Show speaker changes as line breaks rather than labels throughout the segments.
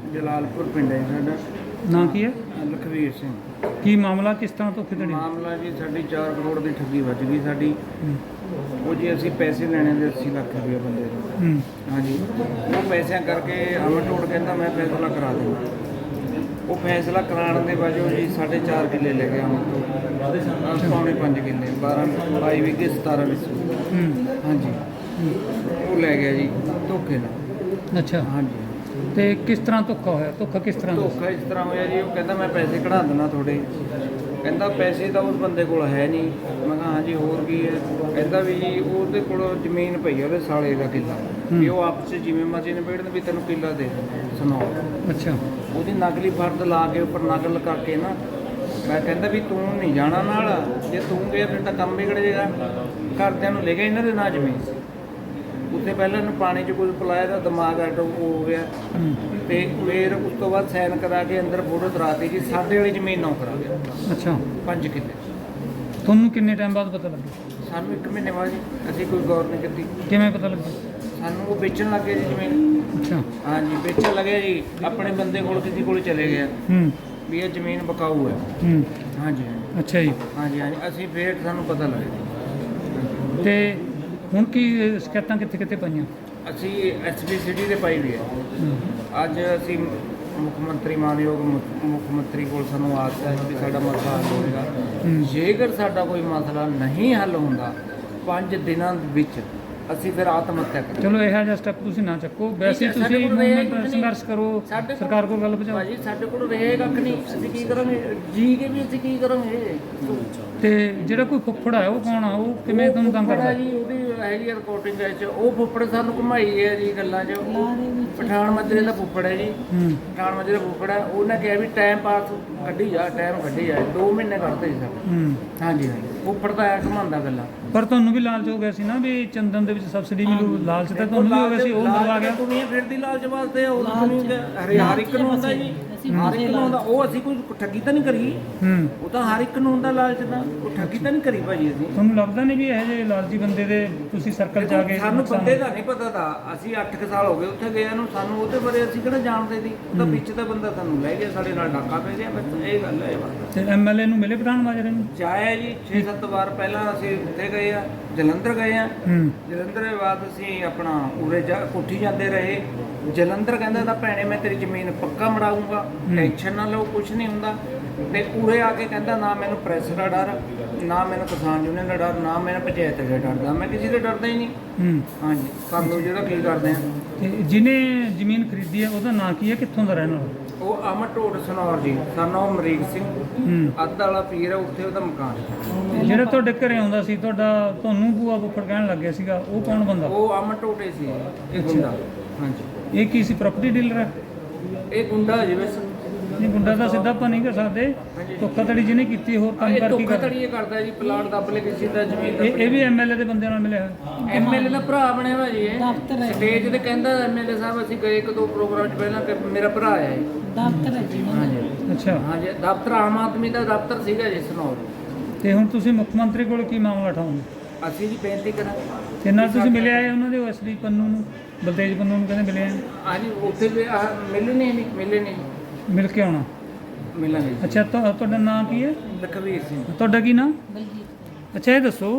ਜਲਾਲਪੁਰ ਪਿੰਡ ਹੈ ਸਾਡਾ।
ਨਾਂ ਕੀ ਹੈ?
ਲਖਵੀਰ ਸਿੰਘ।
ਕੀ ਮਾਮਲਾ, ਕਿਸ ਤਰ੍ਹਾਂ ਧੋਖੇਧੜੀ?
ਮਾਮਲਾ ਜੀ ਸਾਡੀ 4 ਕਰੋੜ ਦੀ ਠੱਗੀ ਵੱਜ ਗਈ ਸਾਡੀ। ਉਹ ਜੀ ਅਸੀਂ ਪੈਸੇ ਲੈਣੇ ਦੇ 80 ਲੱਖ ਰੁਪਏ ਬੰਦੇ ਤੋਂ। ਹਾਂਜੀ, ਉਹ ਪੈਸਿਆਂ ਕਰਕੇ ਅਮਰਟੋੜ ਕਹਿੰਦਾ ਮੈਂ ਫੈਸਲਾ ਕਰਾ ਦੂੰਗਾ। ਉਹ ਫੈਸਲਾ ਕਰਾਉਣ ਦੇ ਵਜੋਂ ਜੀ 4.5 ਕਿੱਲੇ ਲੈ ਗਿਆ ਅਮਰਟੋੜ, ਪੌਣੇ 5 ਕਿੱਲੇ, 22 ਵਿਗੇ 17 ਵਿੱਚ। ਹਾਂਜੀ, ਉਹ ਲੈ ਗਿਆ ਜੀ ਧੋਖੇ ਨਾਲ।
ਅੱਛਾ,
ਹਾਂਜੀ।
ਤੇ ਕਿਸ ਤਰ੍ਹਾਂ ਧੋਖਾ ਹੋਇਆ? ਧੋਖਾ ਕਿਸ ਤਰ੍ਹਾਂ?
ਧੋਖਾ ਇਸ ਤਰ੍ਹਾਂ ਹੋਇਆ ਜੀ, ਉਹ ਕਹਿੰਦਾ ਮੈਂ ਪੈਸੇ ਕਢਾ ਦਿੰਦਾ ਤੁਹਾਡੇ। ਕਹਿੰਦਾ ਪੈਸੇ ਤਾਂ ਉਸ ਬੰਦੇ ਕੋਲ ਹੈ ਨਹੀਂ। ਮੈਂ ਕਿਹਾ ਹਾਂਜੀ ਹੋਰ ਕੀ ਹੈ? ਕਹਿੰਦਾ ਵੀ ਜੀ ਉਹਦੇ ਕੋਲ ਜ਼ਮੀਨ ਪਈ ਹੈ ਉਹਦੇ ਸਾਲੇ ਦਾ ਕਿੱਲਾ, ਵੀ ਉਹ ਆਪਸ 'ਚ ਜਿਵੇਂ ਮਰਜ਼ੀ ਨਿਬੇੜਨ, ਵੀ ਤੈਨੂੰ ਕਿੱਲਾ ਦੇ ਸੁਣਾਓ।
ਅੱਛਾ,
ਉਹਦੀ ਨਕਲੀ ਫਰਦ ਲਾ ਕੇ ਉੱਪਰ ਨਕਲ ਕਰਕੇ ਨਾ, ਮੈਂ ਕਹਿੰਦਾ ਵੀ ਤੂੰ ਨਹੀਂ ਜਾਣਾ ਨਾਲ, ਜੇ ਤੂੰ ਗਿਆ ਫਿਰ ਤਾਂ ਕੰਮ ਵਿਗੜ ਜਾਏਗਾ। ਘਰਦਿਆਂ ਨੂੰ ਲੈ ਗਿਆ ਇਹਨਾਂ ਦੇ ਨਾਂ ਜ਼ਮੀਨ। ਉੱਥੇ ਪਹਿਲਾਂ ਇਹਨੂੰ ਪਾਣੀ 'ਚ ਕੁਝ ਪਿਲਾਇਆ ਤਾਂ ਦਿਮਾਗ ਐਟੋ ਹੋ ਗਿਆ, ਤੇ ਫਿਰ ਉਸ ਤੋਂ ਬਾਅਦ ਸਾਈਨ ਕਰਾ ਕੇ ਅੰਦਰ ਫੋਟੋ ਦਰਾਤੀ ਜੀ ਸਾਡੇ ਵਾਲੀ ਜ਼ਮੀਨ ਨੌ ਕਰਾ ਗਿਆ।
ਅੱਛਾ,
5 ਕਿੱਲੇ।
ਤੁਹਾਨੂੰ ਕਿੰਨੇ ਟਾਈਮ ਬਾਅਦ ਪਤਾ ਲੱਗਿਆ?
ਸਾਨੂੰ 1 ਮਹੀਨੇ ਬਾਅਦ ਜੀ, ਅਸੀਂ ਕੋਈ ਗੌਰ ਨਹੀਂ ਕੀਤੀ।
ਕਿਵੇਂ ਪਤਾ ਲੱਗਿਆ?
ਸਾਨੂੰ ਉਹ ਵੇਚਣ ਲੱਗੇ ਜੀ ਜ਼ਮੀਨ।
ਅੱਛਾ,
ਹਾਂਜੀ, ਵੇਚਣ ਲੱਗਿਆ ਜੀ, ਆਪਣੇ ਬੰਦੇ ਕੋਲ ਕਿਸੇ ਕੋਲ ਚਲੇ ਗਿਆ ਵੀ ਇਹ ਜ਼ਮੀਨ ਬਕਾਊ ਹੈ। ਹਾਂਜੀ।
ਅੱਛਾ ਜੀ।
ਹਾਂਜੀ ਹਾਂਜੀ, ਅਸੀਂ ਫਿਰ ਸਾਨੂੰ ਪਤਾ ਲੱਗਿਆ।
ਤੇ ਹੁਣ ਕੀ ਸ਼ਿਕਾਇਤਾਂ ਕਿੱਥੇ ਕਿੱਥੇ ਪਈਆਂ?
ਅਸੀਂ ਐਸਪੀ ਸਿਟੀ ਦੇ ਪਾਈ ਵੀ ਹੈ। ਅੱਜ ਅਸੀਂ ਮੁੱਖ ਮੰਤਰੀ, ਮਾਨਯੋਗ ਮੁੱਖ ਮੰਤਰੀ ਕੋਲ ਸਾਨੂੰ ਆਸ ਹੈ ਵੀ ਸਾਡਾ ਮਸਲਾ ਹੱਲ ਹੋਵੇਗਾ। ਜੇਕਰ ਸਾਡਾ ਕੋਈ ਮਸਲਾ ਨਹੀਂ ਹੱਲ ਹੁੰਦਾ 5 ਦਿਨਾਂ ਵਿੱਚ, ਅਸੀਂ ਫਿਰ ਆਤਮ ਹੱਤਿਆ ਕਰਾਂਗੇ।
ਚਲੋ ਇਹੋ ਜਿਹਾ ਸਟੈਪ ਤੁਸੀਂ ਨਾ ਚੱਕੋ, ਵੈਸੇ ਤੁਸੀਂ ਸੰਘਰਸ਼ ਕਰੋ, ਸਰਕਾਰ ਕੋਲ ਗੱਲ ਪਹੁੰਚਾਓ।
ਭਾਜੀ ਸਾਡੇ ਕੋਲ ਰਹੇ ਕੱਖ ਨਹੀਂ, ਅਸੀਂ ਕੀ ਕਰਾਂਗੇ? ਜੀ ਕੇ ਵੀ ਅਸੀਂ ਕੀ ਕਰਾਂਗੇ?
ਤੇ ਜਿਹੜਾ ਕੋਈ ਫੁੱਫੜ ਹੈ ਉਹ ਕੌਣ ਆ? ਉਹ ਕਿਵੇਂ ਤੁਹਾਨੂੰ ਤੰਗ ਕਰਦਾ
ਜੀ? ਉਹਦੀ ਹੈਗੀ ਰਿਕਾਰਡਿੰਗ ਹੈ, ਉਹ ਫੁੱਫੜ ਸਾਨੂੰ ਘੁਮਾਈ ਹੈ ਜੀ ਗੱਲਾਂ 'ਚ। ਪਠਾਨ ਮਾਜਰੇ ਦਾ ਫੁੱਫੜ ਹੈ ਜੀ, ਪਠਾਨ ਮਾਜਰੇ ਦਾ ਫੁੱਫੜ ਹੈ। ਉਹਨੇ ਕਿਹਾ ਵੀ ਟਾਈਮ ਪਾਸ ਕੱਢੀ ਜਾ, ਟਾਈਮ ਕੱਢੀ ਜਾ। 2 ਮਹੀਨੇ ਕੱਢਦੇ ਸੀ ਸਾਡੇ। ਹਾਂਜੀ ਹਾਂਜੀ, ਫੁੱਫੜ ਤਾਂ ਐ ਘੁਮਾਉਂਦਾ ਗੱਲਾਂ।
ਪਰ ਤੁਹਾਨੂੰ ਵੀ ਲਾਲਚ ਹੋ ਗਿਆ ਸੀ ਨਾ ਵੀ ਚੰਦਨ ਦੇ ਵਿੱਚ ਸਬਸਿਡੀ ਮਿਲੂ, ਲਾਲਚ ਤਾਂ ਤੁਹਾਨੂੰ ਵੀ ਹੋ ਗਿਆ ਸੀ, ਉਹ ਦਬਾ ਗਿਆ।
ਦੁਨੀਆ ਫਿਰਦੀ ਲਾਲਚ ਵਾਸਤੇ, ਉਹ ਹਰ ਇੱਕ ਨੂੰ ਹੁੰਦਾ ਜੀ, ਹਰ ਇੱਕ ਨੂੰ ਹੁੰਦਾ। ਉਹ ਅਸੀਂ ਕੋਈ ਠੱਗੀ ਤਾਂ ਨਹੀਂ ਕਰੀ, ਉਹ ਤਾਂ ਹਰ ਇੱਕ ਨੂੰ ਹੁੰਦਾ ਲਾਲਚ ਦਾ, ਉਹ ਠੱਗੀ ਤਾਂ ਨਹੀਂ ਕਰੀ ਭਾਜੀ ਅਸੀਂ।
ਤੁਹਾਨੂੰ ਲੱਗਦਾ ਨਹੀਂ ਵੀ ਇਹੋ ਜਿਹੇ ਲਾਲਚੀ ਬੰਦੇ ਦੇ ਤੁਸੀਂ ਸਰਕਲ 'ਚ ਆ ਗਏ?
ਸਾਨੂੰ ਬੰਦੇ ਦਾ ਨਹੀਂ ਪਤਾ ਤਾਂ, ਅਸੀਂ 8 ਸਾਲ ਹੋ ਗਏ ਉੱਥੇ ਗਏ ਨੂੰ, ਸਾਨੂੰ ਉਹਦੇ ਬਾਰੇ ਅਸੀਂ ਕਿਹੜਾ ਜਾਣਦੇ ਸੀ। ਉਹਦਾ ਵਿੱਚ ਦਾ ਬੰਦਾ ਸਾਨੂੰ ਲੈ ਗਿਆ, ਸਾਡੇ ਨਾਲ ਡਾਕਾ ਪੈ ਗਿਆ, ਬਸ ਇਹ ਗੱਲ ਹੈ।
ਤੇ ਐਮਐਲਏ ਨੂੰ ਮਿਲੇ ਪਠਾਨ ਮਾਜਰੇ ਨੂੰ?
ਜਾਇਆ ਜੀ 6-7 ਵਾਰ। ਪਹਿਲਾਂ ਅਸੀਂ ਉੱਥੇ ਗਏ ਆ, ਜਲੰਧਰ ਗਏ ਆ। ਜਲੰਧਰ ਦੇ ਬਾਅਦ ਅਸੀਂ ਆਪਣਾ ਉਰੇ ਕੋਠੀ ਜਾਂਦੇ ਰਹੇ। ਜਲੰਧਰ ਕਹਿੰਦਾ ਤਾਂ ਭੈਣੇ ਮੈਂ ਤੇਰੀ ਜ਼ਮੀਨ ਪੱਕਾ ਮੜਾਊਂਗਾ, ਟੈਨਸ਼ਨ ਨਾ ਲਓ, ਕੁਝ ਨਹੀਂ ਹੁੰਦਾ। ਤੇ ਉਰੇ ਆ ਕੇ ਕਹਿੰਦਾ ਨਾ ਮੈਨੂੰ ਪ੍ਰੈਸ ਦਾ ਡਰ, ਨਾ ਮੈਨੂੰ ਕਿਸਾਨ ਯੂਨੀਅਨ ਦਾ ਡਰ, ਨਾ ਮੈਨੂੰ ਪੰਚਾਇਤ ਦਾ ਡਰਦਾ, ਮੈਂ ਕਿਸੇ ਦੇ ਡਰਦਾ ਹੀ ਨਹੀਂ। ਹਾਂਜੀ, ਕਰ ਲਓ ਜਿਹੜਾ ਕੀ ਕਰਦੇ ਆ।
ਤੇ ਜਿਹਨੇ ਜ਼ਮੀਨ ਖਰੀਦੀ ਹੈ ਉਹਦਾ ਨਾਂ ਕੀ ਹੈ, ਕਿੱਥੋਂ ਦਾ ਰਹਿਣ ਵਾਲਾ?
ਉਹ ਅਮਰਟੋੜ ਸਨੌਰ ਜੀ, ਸਾਨੂੰ ਅਮਰੀਕ ਸਿੰਘ, ਅੱਧ ਵਾਲਾ ਪੀਰ ਹੈ, ਉੱਥੇ ਉਹਦਾ ਮਕਾਨ ਹੈ।
ਜਿਹੜਾ ਤੁਹਾਡੇ ਘਰੇ ਆਉਂਦਾ ਸੀ, ਤੁਹਾਨੂੰ ਬੂਆ ਫੁੱਫੜ ਕਹਿਣ ਲੱਗਿਆ ਸੀਗਾ, ਉਹ ਕੌਣ ਬੰਦਾ?
ਉਹ ਅਮਰਟੋੜੇ ਸੀ, ਇਹ ਗੁੰਡਾ। ਹਾਂਜੀ।
ਇਹ ਕੀ ਸੀ, ਪ੍ਰਾਪਰਟੀ ਡੀਲਰ ਹੈ?
ਇਹ ਗੁੰਡਾ ਜੀ ਵੈਸੇ।
ਨਹੀਂ, ਗੁੰਡਾ ਤਾਂ ਸਿੱਧਾ ਆਪਾਂ ਨਹੀਂ ਕਰ ਸਕਦੇ। ਧੋਖਾਧੜੀ ਜਿਹਨੇ ਕੀਤੀ, ਹੋਰ ਕੰਮ ਕਰ ਕੀ
ਧੋਖਾਧੜੀ ਇਹ ਕਰਦਾ ਜੀ, ਪਲਾਟ ਦੱਬ ਲੈ ਕਿਸੇ ਦਾ ਜ਼ਮੀਨ ਦਾ।
ਇਹ ਵੀ ਐਮਐਲਏ ਦੇ ਬੰਦਿਆਂ ਨਾਲ ਮਿਲਿਆ ਹੋਇਆ?
ਐਮਐਲਏ ਦਾ ਭਰਾ ਬਣਿਆ ਹੋਇਆ ਜੀ। ਇਹ ਸਟੇਜ ਤੇ ਕਹਿੰਦਾ ਐਮਐਲਏ ਸਾਹਿਬ ਅਸੀਂ ਗਏ 1-2 ਪ੍ਰੋਗਰਾਮ 'ਚ ਪਹਿਲਾਂ ਕਿ ਮੇਰਾ ਭਰਾ ਆਇਆ ਜੀ।
ਦਫ਼ਤਰ ਹੈ ਜੀ।
ਹਾਂਜੀ
ਅੱਛਾ।
ਹਾਂਜੀ, ਦਫ਼ਤਰ ਆਮ ਆਦਮੀ ਦਾ ਦਫ਼ਤਰ ਸੀਗਾ ਜੀ ਸਨੌਰ।
ਤੇ ਹੁਣ ਤੁਸੀਂ ਮੁੱਖ ਮੰਤਰੀ ਕੋਲ ਕੀ ਮਾਮਲਾ ਉਠਾਓਗੇ?
ਅਸੀਂ ਜੀ ਬੇਨਤੀ ਕਰਾਂਗੇ।
ਤੇ ਨਾਲ ਤੁਸੀਂ ਮਿਲਿਆ ਹੈ ਉਹਨਾਂ ਦੇ ਐਸਡੀ ਪੰਨੂ ਨੂੰ, ਬਲਤੇਜ ਪੰਨੂ ਨੂੰ ਕਹਿੰਦੇ ਮਿਲਿਆ?
ਹਾਂਜੀ, ਉੱਥੇ ਵੀ ਮਿਲੇ ਨਹੀਂ।
ਮਿਲ ਕੇ ਆਉਣਾ?
ਮਿਲਾਂਗੇ।
ਅੱਛਾ, ਤੁਹਾਡਾ ਨਾਂ ਕੀ ਹੈ?
ਲਖਵੀਰ ਸਿੰਘ।
ਤੁਹਾਡਾ ਕੀ ਨਾਂ? ਅੱਛਾ, ਇਹ ਦੱਸੋ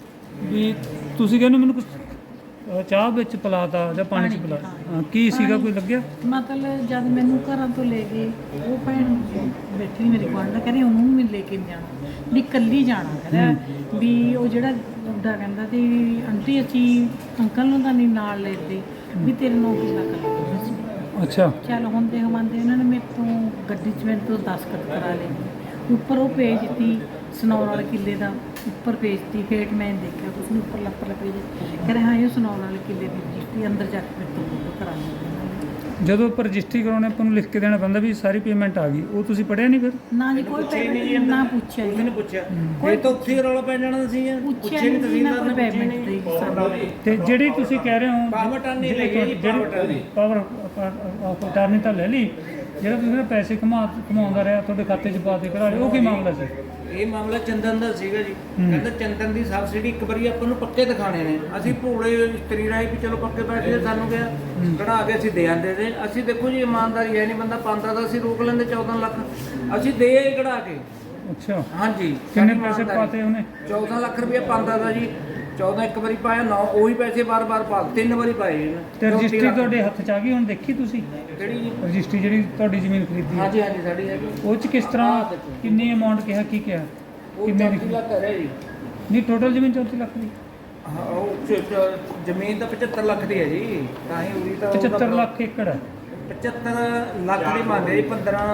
ਵੀ ਤੁਸੀਂ ਕਹਿੰਦੇ ਮੈਨੂੰ ਕੁਝ ਚਾਹ ਵਿੱਚ ਪਿਲਾਤਾ ਜਾਂ ਪਾਣੀ 'ਚ ਪਿਲਾਤਾ, ਕੀ ਸੀਗਾ, ਕੋਈ ਲੱਗਿਆ?
ਮਤਲਬ ਜਦ ਮੈਨੂੰ ਘਰਾਂ ਤੋਂ ਲੈ ਗਏ, ਉਹ ਭੈਣ ਬੈਠੀ ਮੇਰੀ ਗੁਆਂਢ ਕਹਿੰਦੀ ਉਹਨੂੰ ਵੀ ਲੈ ਕੇ ਜਾਣਾ, ਵੀ ਇਕੱਲੀ ਜਾਣਾ। ਕਹਿੰਦਾ ਵੀ ਉਹ ਜਿਹੜਾ ਬੁੱਢਾ ਕਹਿੰਦਾ ਤੇ ਆਂਟੀ ਅਸੀਂ ਅੰਕਲ ਨੂੰ ਤਾਂ ਨਹੀਂ ਨਾਲ ਲੈਦੇ, ਵੀ ਤੇਰੇ ਨੂੰ ਕਿੱਲਾ ਕਰ ਸੀ।
ਅੱਛਾ।
ਚੱਲ ਹੁੰਦੇ ਹਵਾਂਦੇ ਉਹਨਾਂ ਨੇ ਮੇਰੇ ਤੋਂ ਗੱਡੀ 'ਚ ਮੇਰੇ ਤੋਂ ਦਸਤਖਤ ਕਰਾ ਲਏ। ਉੱਪਰ ਉਹ ਪੇਜ ਦਿੱਤੀ ਸਨੌਰ ਵਾਲੇ ਕਿੱਲੇ ਦਾ, ਉੱਪਰ ਪੇਜ ਦਿੱਤੀ। ਹੇਠ ਮੈਂ ਦੇਖਿਆ ਕੁਛ ਨਹੀਂ, ਉੱਪਰ ਲੱਪਰ ਪੇਜ ਕਹਿੰਦੇ ਹਾਂ ਇਹ ਸਨੌਰ ਵਾਲੇ ਕਿੱਲੇ ਦੀ ਰਜਿਸਟਰੀ, ਅੰਦਰ ਜਾ ਕੇ ਮੇਰੇ ਤੋਂ ਫੋਟੋ ਕਰਾ ਲਈ।
ਜਦੋਂ ਆਪਾਂ ਰਜਿਸਟਰੀ ਕਰਾਉਣੇ ਆਪਾਂ ਨੂੰ ਲਿਖ ਕੇ ਦੇਣਾ ਪੈਂਦਾ ਵੀ ਸਾਰੀ ਪੇਮੈਂਟ ਆ ਗਈ, ਉਹ ਤੁਸੀਂ ਪੜ੍ਹਿਆ ਨਹੀਂ ਫਿਰ?
ਨਾ ਜੀ, ਕੋਈ ਪੇਮੈਂਟ ਨਾ ਪੁੱਛਿਆ ਜੀ।
ਮੈਨੂੰ ਪੁੱਛਿਆ ਇਹ ਤਾਂ ਉੱਥੇ ਰੌਲਾ ਪੈ ਜਾਣਾ ਸੀ ਯਾਰ।
ਪੁੱਛਿਆ ਨਹੀਂ ਤਹਿਸੀਲਦਾਰ ਨੇ ਪੇਮੈਂਟ ਦੀ ਸਾਨੂੰ।
ਤੇ ਜਿਹੜੀ ਤੁਸੀਂ ਕਹਿ ਰਹੇ ਹੋ
ਪਾਵਰ ਟਰਨੀ ਲੈ ਗਈ,
ਪਾਵਰ ਆਫ ਅਟਾਰਨੀ ਤਾਂ ਲੈ ਲਈ, ਜਿਹੜਾ ਤੁਸੀਂ ਪੈਸੇ ਕਮਾਉਂਦਾ ਰਿਹਾ ਤੁਹਾਡੇ ਖਾਤੇ 'ਚ ਪਾ ਕੇ ਕਰਾ ਲਏ, ਉਹ ਕੀ ਮਾਮਲਾ ਸੀ?
ਇਹ ਮਾਮਲਾ ਚੰਦਨ ਦਾ ਸੀਗਾ ਜੀ। ਕਹਿੰਦਾ ਚੰਦਨ ਦੀ ਸਬਸਿਡੀ ਇੱਕ ਵਾਰੀ ਆਪਾਂ ਨੂੰ ਪੱਕੇ ਦਿਖਾਣੇ ਨੇ। ਅਸੀਂ ਭੋਲੇ ਇਸਤਰੀ ਰਾਏ ਵੀ ਚਲੋ ਪੱਕੇ ਪੈਸੇ ਸਾਨੂੰ ਗਿਆ। ਕਢਾ ਕੇ ਅਸੀਂ ਦੇ ਆਂਦੇ ਤੇ ਅਸੀਂ ਦੇਖੋ ਜੀ ਇਮਾਨਦਾਰੀ ਹੈ ਨਹੀਂ, ਬੰਦਾ ਪਾਉਂਦਾ ਤਾਂ ਅਸੀਂ ਰੋਕ ਲੈਂਦੇ 14 ਲੱਖ, ਅਸੀਂ ਦੇ ਆਏ ਕਢਾ ਕੇ।
ਅੱਛਾ,
ਹਾਂਜੀ,
ਕਿੰਨੇ
ਸਾਡੀ
ਪੈਸੇ
ਇਮਾਨਦਾਰੀ।
ਪਾਤੇ ਉਹਨੇ?
14 ਲੱਖ ਰੁਪਏ ਪਾਉਂਦਾ ਤਾ ਜੀ, 14 ਇੱਕ ਵਾਰੀ ਪਾਇਆ, 9 ਉਹੀ ਪੈਸੇ ਬਾਰ-ਬਾਰ ਪਾ 3 ਵਾਰੀ ਪਾਏ ਇਹਨੇ।
ਤੇ
34
ਰਜਿਸਟਰੀ
ਲੱਖ।
ਤੁਹਾਡੇ ਹੱਥ 'ਚ ਆ ਗਈ ਹੁਣ, ਦੇਖੀ ਤੁਸੀਂ
ਕਿਹੜੀ ਜੀ?
ਰਜਿਸਟਰੀ ਜਿਹੜੀ ਤੁਹਾਡੀ ਜ਼ਮੀਨ ਖਰੀਦੀ ਹੈ?
ਹਾਂਜੀ ਹਾਂਜੀ ਸਾਡੀ ਹੈਗੀ।
ਉਹ 'ਚ ਕਿਸ ਤਰ੍ਹਾਂ ਕਿੰਨੀ ਅਮਾਉਂਟ ਕਿਹਾ, ਕੀ ਕਿਹਾ?
ਉਹ
ਕਿੰਨੇ
34 ਲੱਖ ਹੈ ਜੀ।
ਨਹੀਂ, ਟੋਟਲ ਜ਼ਮੀਨ 34 ਲੱਖ ਦੀ?
ਹਾਂ, ਉਹ ਜ਼ਮੀਨ ਤਾਂ 75 ਲੱਖ ਦੀ ਹੈ ਜੀ, ਤਾਂ ਹੀ ਉਹਦੀ ਤਾਂ
75 ਲੱਖ ਏਕੜ ਹੈ?
75 ਲੱਖ ਦੀ ਮੰਨਦੇ ਜੀ, 15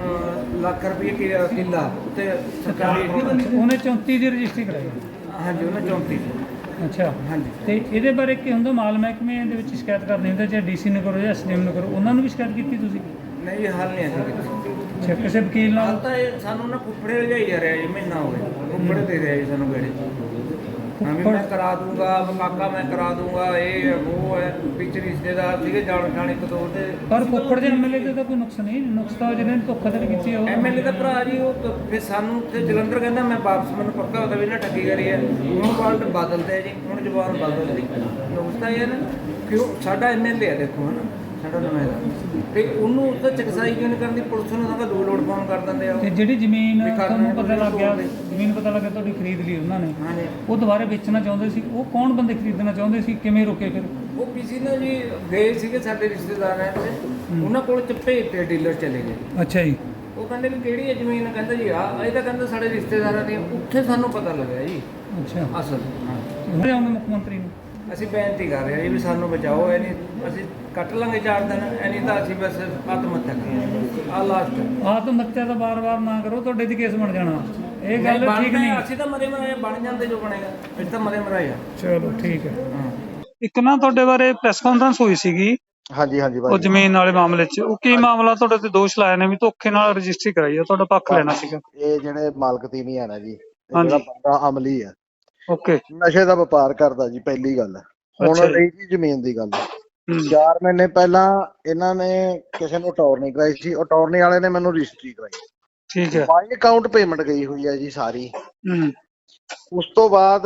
ਲੱਖ ਰੁਪਏ ਕਿੱਲਾ ਤੇ ਸਰਕਾਰੀ।
ਉਹਨੇ 34 ਦੀ ਰਜਿਸਟਰੀ ਕਰਾਈ?
ਹਾਂਜੀ, ਉਹਨੇ 34।
ਅੱਛਾ,
ਹਾਂਜੀ।
ਤੇ ਇਹਦੇ ਬਾਰੇ ਕੀ ਹੁੰਦਾ, ਮਾਲ ਮਹਿਕਮੇ ਦੇ ਵਿੱਚ ਸ਼ਿਕਾਇਤ ਕਰਨੀ ਹੁੰਦਾ, ਚਾਹੇ ਡੀਸੀ ਨੂੰ ਕਰੋ ਜਾਂ ਐਸਡੀਐਮ ਨੂੰ ਕਰੋ, ਉਹਨਾਂ ਨੂੰ ਵੀ ਸ਼ਿਕਾਇਤ ਕੀਤੀ ਤੁਸੀਂ?
ਨਹੀਂ ਜੀ, ਹੱਲ ਨਹੀਂ ਅਸੀਂ ਕੀਤਾ।
ਅੱਛਾ, ਕਿਸੇ ਵਕੀਲ
ਹਾਲ
ਨਾਲ?
ਤਾਂ ਇਹ ਸਾਨੂੰ ਨਾ ਫੁੱਫੜੇ ਲਿਜਾਈ ਜਾ ਰਿਹਾ ਜੀ, ਮਹੀਨਾ ਹੋ ਗਿਆ ਫੁੱਫੜੇ ਦੇ ਰਿਹਾ ਜੀ ਸਾਨੂੰ ਗੇੜੇ। ਹਾਂ ਵੀ ਮੈਂ ਕਰਾ ਦੂੰਗਾ, ਕਾਕਾ ਮੈਂ ਕਰਾ ਦੂੰਗਾ, ਇਹ ਉਹ ਹੈ, ਵਿੱਚ ਰਿਸ਼ਤੇਦਾਰ ਸੀਗੇ ਜਾਣ ਪਛਾਣ ਇੱਕ ਦੋ ਤੇ।
ਪਰ ਫੁੱਫੜ ਦੇ ਐਮਐਲਏ ਤੇ ਤਾਂ ਕੋਈ ਨੁਕਸ ਨਹੀਂ, ਨੁਕਸ ਤਾਂ ਜਿਹਨੇ ਧੋਖਾਧੜੀ ਕੀਤੀ ਆ ਉਹ।
ਐਮਐਲਏ ਦਾ ਭਰਾ ਜੀ, ਉਹ ਫਿਰ ਸਾਨੂੰ ਤੇ ਜਲੰਧਰ ਕਹਿੰਦਾ ਮੈਂ ਵਾਪਸ, ਮੈਨੂੰ ਪੱਕਾ ਹੁੰਦਾ ਵੀ ਇਹਨਾਂ ਠੱਗੀ ਕਰੀ ਹੈ। ਹੁਣ ਵਰਲਡ ਬਦਲਦੇ ਜੀ, ਹੁਣ ਜ਼ਬਾਨ ਬਦਲਦੀ। ਨੁਕਸ ਤਾਂ ਇਹ ਹੈ ਨਾ ਕਿ ਉਹ ਸਾਡਾ ਐਮਐਲਏ ਹੈ, ਦੇਖੋ ਹੈ ਨਾ, ਸਾਡਾ ਨੁਮਾਇੰਦਾ, ਤੇ ਉਹਨੂੰ ਤਾਂ ਚਕਸਾਈ ਕਿਉਂ ਨਹੀਂ ਕਰਦੀ ਪੁਲਿਸ ਨੂੰ? ਤਾਂ ਦੋ ਲੋਡ ਫੋਨ ਕਰ ਦਿੰਦੇ ਆ ਉਹ।
ਤੇ ਜਿਹੜੀ ਜ਼ਮੀਨ
ਵੀ ਕਰਨਾ
ਤੁਹਾਨੂੰ ਪਤਾ ਲੱਗ ਗਿਆ,
ਕੋਈ
ਜ਼ਮੀਨ ਪਤਾ ਲੱਗਿਆ ਤੁਹਾਡੀ ਖਰੀਦ ਲਈ ਉਹਨਾਂ ਨੇ,
ਹਾਂਜੀ।
ਉਹ ਦੁਬਾਰਾ ਵੇਚਣਾ ਚਾਹੁੰਦੇ ਸੀ, ਉਹ ਕੌਣ ਬੰਦੇ ਖਰੀਦਣਾ ਚਾਹੁੰਦੇ ਸੀ, ਕਿਵੇਂ ਰੋਕੇ ਫਿਰ?
ਉਹ ਕਿਸੇ ਨੇ ਜੀ ਗਏ ਸੀਗੇ ਸਾਡੇ ਰਿਸ਼ਤੇਦਾਰ ਹੈ ਤੇ ਉਹਨਾਂ ਕੋਲ ਚੱਪੇ ਤੇ ਡੀਲਰ ਚਲੇ ਗਏ।
ਅੱਛਾ ਜੀ।
ਉਹ ਕਹਿੰਦੇ ਵੀ ਕਿਹੜੀ ਹੈ ਜ਼ਮੀਨ? ਕਹਿੰਦਾ ਜੀ ਆਹ। ਇਹ ਤਾਂ ਕਹਿੰਦਾ ਸਾਡੇ ਰਿਸ਼ਤੇਦਾਰਾਂ ਦੀ। ਉੱਥੇ ਸਾਨੂੰ ਪਤਾ ਲੱਗਿਆ ਜੀ
ਅੱਛਾ,
ਅਸਲ। ਹਾਂ,
ਉਹਨੇ ਆਉਂਦੇ ਮੁੱਖ ਮੰਤਰੀ ਨੂੰ?
ਅਸੀਂ ਬੇਨਤੀ ਕਰ ਰਹੇ ਹਾਂ ਜੀ ਵੀ ਸਾਨੂੰ ਬਚਾਓ, ਇਹ ਨਹੀਂ ਅਸੀਂ ਕੱਟ ਲਾਂਗੇ 4 ਦਿਨ, ਇਹ ਨਹੀਂ ਤਾਂ ਅਸੀਂ ਬਸ ਆਤਮ ਹੱਤਿਆ ਕਰਾਂਗੇ। ਆਹ ਲਾਸਟ।
ਆਤਮ ਹੱਤਿਆ ਤਾਂ ਬਾਰ-ਬਾਰ ਨਾ ਕਰੋ, ਤੁਹਾਡੇ ਤੇ ਕੇਸ ਬਣ ਜਾਣਾ, ਇਹ ਗੱਲ ਠੀਕ ਨਹੀਂ।
ਅਸੀਂ ਤਾਂ ਮਰੇ ਮਰਾਏ ਬਣ ਜਾਂਦੇ, ਜੋ ਬਣੇਗਾ ਅਸੀਂ ਤਾਂ ਮਰੇ ਮਰਾਏ ਆ।
ਚਲੋ ਠੀਕ ਹੈ।
ਹਾਂ,
ਇੱਕ ਨਾ ਤੁਹਾਡੇ ਬਾਰੇ ਪ੍ਰੈਸ ਕਾਨਫਰੰਸ ਹੋਈ ਸੀਗੀ
ਹਾਂਜੀ ਹਾਂਜੀ
ਉਹ
ਭਾਜੀ।
ਜ਼ਮੀਨ ਵਾਲੇ ਮਾਮਲੇ 'ਚ, ਉਹ ਕੀ ਮਾਮਲਾ? ਤੁਹਾਡੇ ਤੇ ਦੋਸ਼ ਲਾਏ ਨੇ ਵੀ ਧੋਖੇ ਨਾਲ ਰਜਿਸਟਰੀ ਕਰਾਈ ਆ, ਤੁਹਾਡਾ ਪੱਖ ਲੈਣਾ ਸੀਗਾ।
ਇਹ ਜਿਹੜੇ ਮਾਲਕ ਤੀਵੀਂ ਹੈ ਨਾ ਜੀ, ਇਹ
ਹਾਂਜੀ।
ਜਿਹੜਾ ਬੰਦਾ ਅਮਲੀ ਹੈ,
ਓਕੇ।
ਨਸ਼ੇ ਦਾ ਵਪਾਰ ਕਰਦਾ ਜੀ, ਪਹਿਲੀ ਗੱਲ। ਹੁਣ
ਅੱਛਾ ਜੀ।
ਰਹੀ ਜੀ ਜ਼ਮੀਨ ਦੀ ਗੱਲ,
ਹੂੰ।
4 ਮਹੀਨੇ ਪਹਿਲਾਂ ਇਹਨਾਂ ਨੇ ਕਿਸੇ ਨੂੰ ਅਟਾਰਨੀ ਕਰਾਈ ਸੀ, ਅਟਾਰਨੀ ਵਾਲੇ ਨੇ ਮੈਨੂੰ ਰਜਿਸਟਰੀ ਕਰਾਈ।
ਠੀਕ ਹੈ।
ਬਾਈ ਅਕਾਊਂਟ ਪੇਮੈਂਟ ਗਈ ਹੋਈ ਹੈ ਜੀ ਸਾਰੀ।
ਹੂੰ।
ਉਸ ਤੋਂ ਬਾਅਦ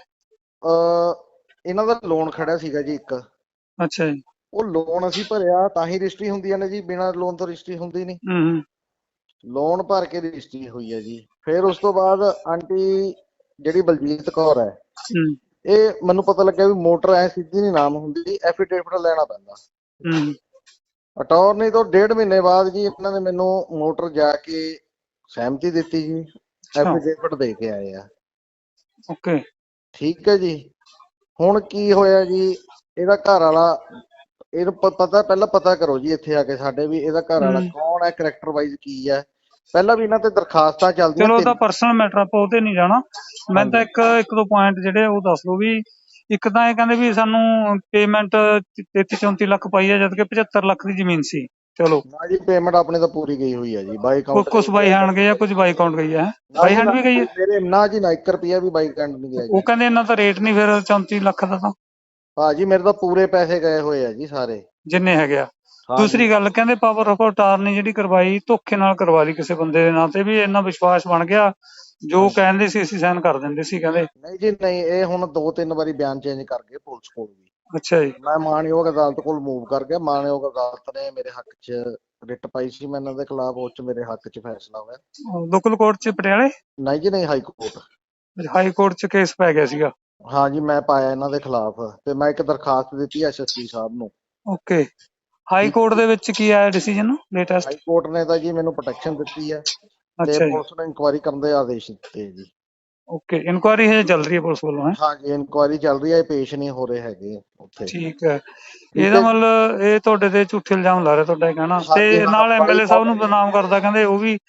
ਇਹਨਾਂ ਦਾ ਲੋਨ ਖੜਾ ਸੀਗਾ ਜੀ ਇੱਕ।
ਅੱਛਾ ਜੀ।
ਉਹ ਲੋਨ ਅਸੀਂ ਭਰਿਆ ਤਾਂ ਹੀ ਰਜਿਸਟਰੀ ਹੁੰਦੀਆਂ ਨੇ ਜੀ, ਬਿਨਾਂ ਲੋਨ ਤੋਂ ਰਜਿਸਟਰੀ ਹੁੰਦੀ ਨਹੀਂ।
ਹੂੰ।
ਲੋਨ ਭਰ ਕੇ ਰਜਿਸਟਰੀ ਹੋਈ ਹੈ ਜੀ। ਫਿਰ ਉਸ ਤੋਂ ਬਾਅਦ ਆਂਟੀ ਜਿਹੜੀ ਬਲਜੀਤ ਕੌਰ ਹੈ,
ਹੂੰ।
ਇਹ ਮੈਨੂੰ ਪਤਾ ਲੱਗਿਆ ਵੀ ਮੋਟਰ ਐ ਸਿੱਧੀ ਨਹੀਂ ਨਾਮ ਹੁੰਦੀ, ਐਫੀਡੇਵਿਟ ਲੈਣਾ ਪੈਂਦਾ।
ਹੂੰ।
ਅਟਾਰਨੀ ਤੋਂ 1.5 ਮਹੀਨੇ ਬਾਅਦ ਜੀ ਇਹਨਾਂ ਨੇ ਮੈਨੂੰ ਮੋਟਰ ਜਾ ਕੇ ਸਹਿਮਤੀ ਦਿੱਤੀ ਜੀ,
ਅੱਛਾ।
ਐਫੀਡੇਵਿਟ ਦੇ ਕੇ ਆਏ ਆ।
ਓਕੇ।
ਠੀਕ ਹੈ ਜੀ। ਹੁਣ ਕੀ ਹੋਇਆ ਜੀ, ਇਹਦਾ ਘਰ ਵਾਲਾ, ਇਹਨੂੰ ਪਤਾ, ਪਹਿਲਾਂ ਪਤਾ ਕਰੋ ਜੀ ਇੱਥੇ ਆ ਕੇ ਸਾਡੇ ਵੀ ਇਹਦਾ ਘਰ ਵਾਲਾ ਕੌਣ ਹੈ, ਕਰੈਕਟਰ ਵਾਈਜ਼ ਕੀ ਹੈ। ਪਹਿਲਾਂ ਵੀ ਇਹਨਾਂ ਤੇ ਦਰਖਾਸਤਾਂ ਚੱਲਦੀਆਂ।
ਚਲੋ ਉਹਦਾ ਪਰਸਨਲ ਮੈਟਰ, ਆਪਾਂ ਉਹਤੇ ਨਹੀਂ ਜਾਣਾ। ਮੈਂ ਤਾਂ ਇੱਕ ਦੋ ਪੁਆਇੰਟ ਜਿਹੜੇ ਉਹ ਦੱਸ ਦੋ ਵੀ। ਇੱਕ ਤਾਂ ਇਹ ਕਹਿੰਦੇ ਵੀ ਸਾਨੂੰ ਪੇਮੈਂਟ 33-34 ਲੱਖ ਪਾਈ ਹੈ, ਜਦ ਕਿ 75 ਲੱਖ ਦੀ ਜ਼ਮੀਨ ਸੀ। ਚਲੋ
ਨਾ ਜੀ, ਪੇਮੈਂਟ ਆਪਣੀ ਤਾਂ ਪੂਰੀ ਗਈ ਹੋਈ ਹੈ ਜੀ, ਬਾਈ ਅਕਾਊਂਟ।
ਕੁਛ ਬਾਈ ਹੈਂਡ ਗਈ ਆ, ਕੁਝ ਬਾਈ ਅਕਾਊਂਟ ਗਈ ਹੈ। ਬਾਈ ਹੈਂਡ ਵੀ ਗਈ ਹੈ
ਮੇਰੇ ਨਾ ਜੀ, ਨਾ 1 ਰੁਪਿਆ ਵੀ ਬਾਈ ਅਕਾਊਂਟ ਨਹੀਂ ਗਿਆ ਜੀ।
ਉਹ ਕਹਿੰਦੇ ਇਹਨਾਂ ਦਾ ਰੇਟ ਨਹੀਂ ਫਿਰ 34 ਲੱਖ ਦਾ ਤਾਂ।
ਭਾਜੀ ਮੇਰੇ ਤਾਂ ਪੂਰੇ ਪੈਸੇ ਗਏ ਹੋਏ ਆ ਜੀ ਸਾਰੇ,
ਜਿੰਨੇ ਹੈਗੇ ਆ।
ਹਾਂ
ਦੂਸਰੀ ਗੱਲ, ਕਹਿੰਦੇ ਪਾਵਰ ਆਫ ਅਟਾਰਨੀ ਜਿਹੜੀ ਕਰਵਾਈ, ਧੋਖੇ ਨਾਲ ਕਰਵਾ ਲਈ ਕਿਸੇ ਬੰਦੇ ਦੇ ਨਾਂ ਤੇ, ਵੀ ਇੰਨਾ ਵਿਸ਼ਵਾਸ ਬਣ ਗਿਆ, ਜੋ ਕਹਿੰਦੇ ਸੀ ਅਸੀਂ ਸਾਈਨ ਕਰ ਦਿੰਦੇ ਸੀ ਕਹਿੰਦੇ।
ਨਹੀਂ ਜੀ ਨਹੀਂ, ਇਹ ਹੁਣ 2-3 ਵਾਰੀ ਬਿਆਨ ਚੇਂਜ ਕਰ ਗਏ ਪੁਲਿਸ ਕੋਲ ਵੀ।
ਅੱਛਾ ਜੀ।
ਮੈਂ ਮਾਣਯੋਗ ਅਦਾਲਤ ਕੋਲ ਮੂਵ ਕਰ ਗਿਆ, ਮਾਣਯੋਗ ਅਦਾਲਤ ਨੇ ਮੇਰੇ ਹੱਕ 'ਚ ਰਿਟ ਪਾਈ ਸੀ ਮੈਂ ਇਹਨਾਂ ਦੇ ਖਿਲਾਫ, ਉਹ 'ਚ ਮੇਰੇ ਹੱਕ 'ਚ ਫੈਸਲਾ ਹੋਇਆ।
ਲੋਕਲ ਕੋਰਟ 'ਚ ਪਟਿਆਲੇ?
ਨਹੀਂ ਜੀ ਨਹੀਂ, ਹਾਈ ਕੋਰਟ।
ਹਾਈ ਕੋਰਟ 'ਚ ਕੇਸ ਪੈ ਗਿਆ ਸੀਗਾ?
ਹਾਂ ਜੀ, ਮੈਂ ਪਾਇਆ ਇਹਨਾਂ ਦੇ ਖਿਲਾਫ, ਤੇ ਮੈਂ ਇੱਕ ਦਰਖਾਸਤ ਦਿੱਤੀ ਐਸਐਸਪੀ ਸਾਹਿਬ ਨੂੰ।
ਓਕੇ। ਹਾਈ ਕੋਰਟ ਦੇ ਵਿੱਚ ਕੀ ਆਇਆ ਡਿਸੀਜਨ ਲੇਟੈਸਟ?
ਹਾਈ ਕੋਰਟ ਨੇ ਤਾਂ ਜੀ ਮੈਨੂੰ ਪ੍ਰੋਟੈਕਸ਼ਨ ਦਿੱਤੀ ਹੈ, ਤੇ
ਅੱਛਾ ਜੀ।
ਪੁਲਿਸ ਨੇ ਇਨਕੁਆਇਰੀ ਕਰਨ ਦੇ ਆਦੇਸ਼ ਦਿੱਤੇ ਜੀ।
ਓਕੇ, ਇਨਕੁਆਇਰੀ ਹਜੇ ਚੱਲ ਰਹੀ ਹੈ ਪੁਲਿਸ ਵੱਲੋਂ? ਹੈ
ਹਾਂ ਜੀ, ਇਨਕੁਆਇਰੀ ਚੱਲ ਰਹੀ ਹੈ, ਪੇਸ਼ ਨਹੀਂ ਹੋ ਰਹੇ ਹੈਗੇ ਉੱਥੇ।
ਠੀਕ ਹੈ। ਇਹਦਾ ਮਤਲਬ ਇਹ ਤੁਹਾਡੇ ਤੇ ਝੂਠੇ ਇਲਜ਼ਾਮ ਲਾ ਰਿਹਾ, ਤੁਹਾਡਾ ਕਹਿਣਾ, ਤੇ ਨਾਲ ਐਮਐਲਏ ਸਾਹਿਬ ਨੂੰ ਬਦਨਾਮ ਕਰਦਾ, ਕਹਿੰਦੇ ਉਹ ਵੀ।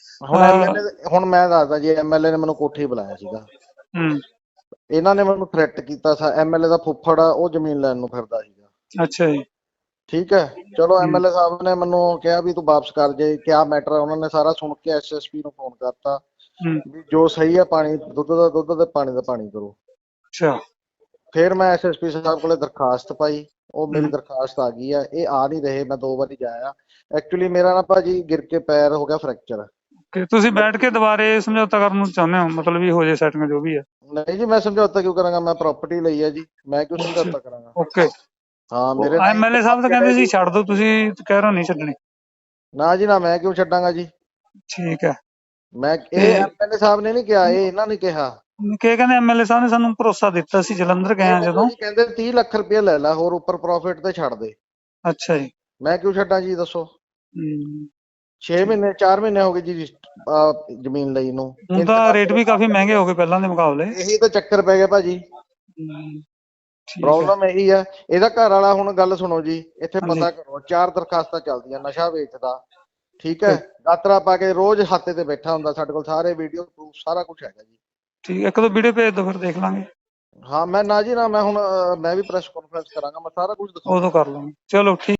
ਹੁਣ ਮੈਂ ਦੱਸਦਾ ਜੀ, ਐਮਐਲਏ ਨੇ ਮੈਨੂੰ ਕੋਠੀ ਬੁਲਾਇਆ ਸੀਗਾ।
ਹੂੰ।
ਇਹਨਾਂ ਨੇ ਮੈਨੂੰ ਥ੍ਰੈਟ ਕੀਤਾ ਸੀ। ਐਮਐਲਏ ਦਾ ਫੁੱਫੜ ਆ, ਉਹ ਜ਼ਮੀਨ ਲੈਣ ਨੂੰ ਫਿਰਦਾ ਸੀਗਾ।
ਅੱਛਾ ਜੀ।
ਠੀਕ ਹੈ, ਚਲੋ ਐਮਐਲਏ ਸਾਹਿਬ ਨੇ ਮੈਨੂੰ ਕਿਹਾ ਵੀ ਤੂੰ ਵਾਪਸ ਕਰ ਜੇ, ਕਿਆ ਮੈਟਰ ਹੈ। ਉਹਨਾਂ ਨੇ ਸਾਰਾ ਸੁਣ ਕੇ ਐਸਐਸਪੀ ਨੂੰ ਫੋਨ ਕਰਤਾ ਵੀ ਜੋ ਸਹੀ ਹੈ, ਪਾਣੀ ਦੁੱਧ ਦਾ ਦੁੱਧ ਤੇ ਪਾਣੀ ਦਾ ਪਾਣੀ ਕਰੋ।
ਅੱਛਾ।
ਫਿਰ ਮੈਂ ਐਸਐਸਪੀ ਸਾਹਿਬ ਕੋਲੇ ਦਰਖਾਸਤ ਪਾਈ, ਉਹ ਮੇਰੀ ਦਰਖਾਸਤ ਆ ਗਈ ਆ। ਇਹ ਆ ਨਹੀਂ ਰਹੇ, ਮੈਂ 2 ਵਾਰੀ ਜਾਇਆ। ਐਕਚੁਅਲੀ ਮੇਰਾ ਨਾ ਭਾਜੀ ਗਿਰ ਕੇ ਪੈਰ ਹੋ ਗਿਆ ਫ੍ਰੈਕਚਰ।
ਕਿ ਤੁਸੀਂ ਬੈਠ ਕੇ ਦੁਬਾਰੇ ਸਮਝੌਤਾ ਕਰਨ ਨੂੰ ਚਾਹੁੰਦੇ ਹੋ, ਮਤਲਬ ਵੀ ਹੋ ਜੇ ਸੈਟਿੰਗ ਜੋ ਵੀ ਹੈ?
ਨਹੀਂ ਜੀ, ਮੈਂ ਸਮਝੌਤਾ ਕਿਉਂ ਕਰਾਂਗਾ, ਮੈਂ ਪ੍ਰਾਪਰਟੀ ਲਈ ਹੈ ਜੀ, ਮੈਂ ਕਿਉਂ ਸਮਝੌਤਾ ਕਰਾਂਗਾ।
ਓਕੇ।
ਹਾਂ ਮੇਰੇ ਨਾਲ
ਐਮਐਲਏ ਸਾਹਿਬ ਤਾਂ ਕਹਿੰਦੇ ਸੀ ਛੱਡ ਦਿਓ, ਤੁਸੀਂ ਕਹਿ ਰਹੇ ਹੋ ਨਹੀਂ ਛੱਡਣੀ।
ਨਾ ਜੀ ਨਾ, ਮੈਂ ਕਿਉਂ ਛੱਡਾਂਗਾ ਜੀ।
ਠੀਕ ਹੈ।
ਮੈਂ ਇਹ ਐਮਐਲਏ ਸਾਹਿਬ ਨੇ ਨਹੀਂ ਕਿਹਾ, ਇਹ ਇਹਨਾਂ ਨੇ ਕਿਹਾ।
ਕੀ ਕਹਿੰਦੇ ਐਮਐਲਏ ਸਾਹਿਬ ਨੇ ਸਾਨੂੰ ਭਰੋਸਾ ਦਿੱਤਾ ਸੀ ਜਲੰਧਰ ਗਏ ਆ ਜਦੋਂ।
ਜੀ ਕਹਿੰਦੇ 30 ਲੱਖ ਰੁਪਏ ਲੈ ਲੈ ਹੋਰ ਉੱਪਰ ਪ੍ਰੋਫਿਟ ਤੇ ਛੱਡ ਦੇ।
ਅੱਛਾ ਜੀ।
ਮੈਂ ਕਿਉਂ ਛੱਡਾਂ ਜੀ ਦੱਸੋ। 6 ਮਹੀਨੇ 4 ਮਹੀਨੇ ਹੋ ਗਏ ਜੀ ਜ਼ਮੀਨ ਲਈ ਨੂੰ।
ਹੁਣ ਤਾਂ ਰੇਟ ਵੀ ਕਾਫੀ ਮਹਿੰਗੇ ਹੋ ਗਏ ਪਹਿਲਾਂ ਦੇ ਮੁਕਾਬਲੇ।
ਇਹੀ ਤਾਂ ਚੱਕਰ ਪੈ ਗਿਆ ਭਾਜੀ। ਪ੍ਰੋਬਲਮ ਇਹੀ ਆ। ਇਹਦਾ ਘਰ ਵਾਲਾ, ਹੁਣ ਗੱਲ ਸੁਣੋ ਜੀ, ਇੱਥੇ ਪਤਾ ਕਰੋ, 4 ਦਰਖਾਸਤਾਂ ਚੱਲਦੀਆਂ, ਨਸ਼ਾ ਵੇਚਦਾ, ਠੀਕ ਹੈ, ਦਾਤਰਾ ਪਾ ਕੇ ਰੋਜ਼ ਹੱਥੇ ਤੇ ਬੈਠਾ ਹੁੰਦਾ, ਸਾਡੇ ਕੋਲ ਸਾਰੇ ਵੀਡੀਓ ਪ੍ਰੂਫ ਸਾਰਾ ਕੁਝ ਹੈਗਾ ਜੀ।
ਠੀਕ ਹੈ, ਇੱਕ ਦੋ ਵੀਡੀਓ ਭੇਜ ਦਿਓ ਫਿਰ ਦੇਖ ਲਾਂਗੇ।
ਹਾਂ ਮੈਂ ਨਾ ਜੀ ਨਾ, ਮੈਂ ਹੁਣ ਮੈਂ ਵੀ ਪ੍ਰੈਸ ਕਾਨਫਰੰਸ ਕਰਾਂਗਾ, ਮੈਂ ਸਾਰਾ ਕੁਝ ਦਿਖਾਉਂਗਾ।
ਉਦੋਂ ਕਰ ਲਾਂਗੇ, ਚਲੋ ਠੀਕ।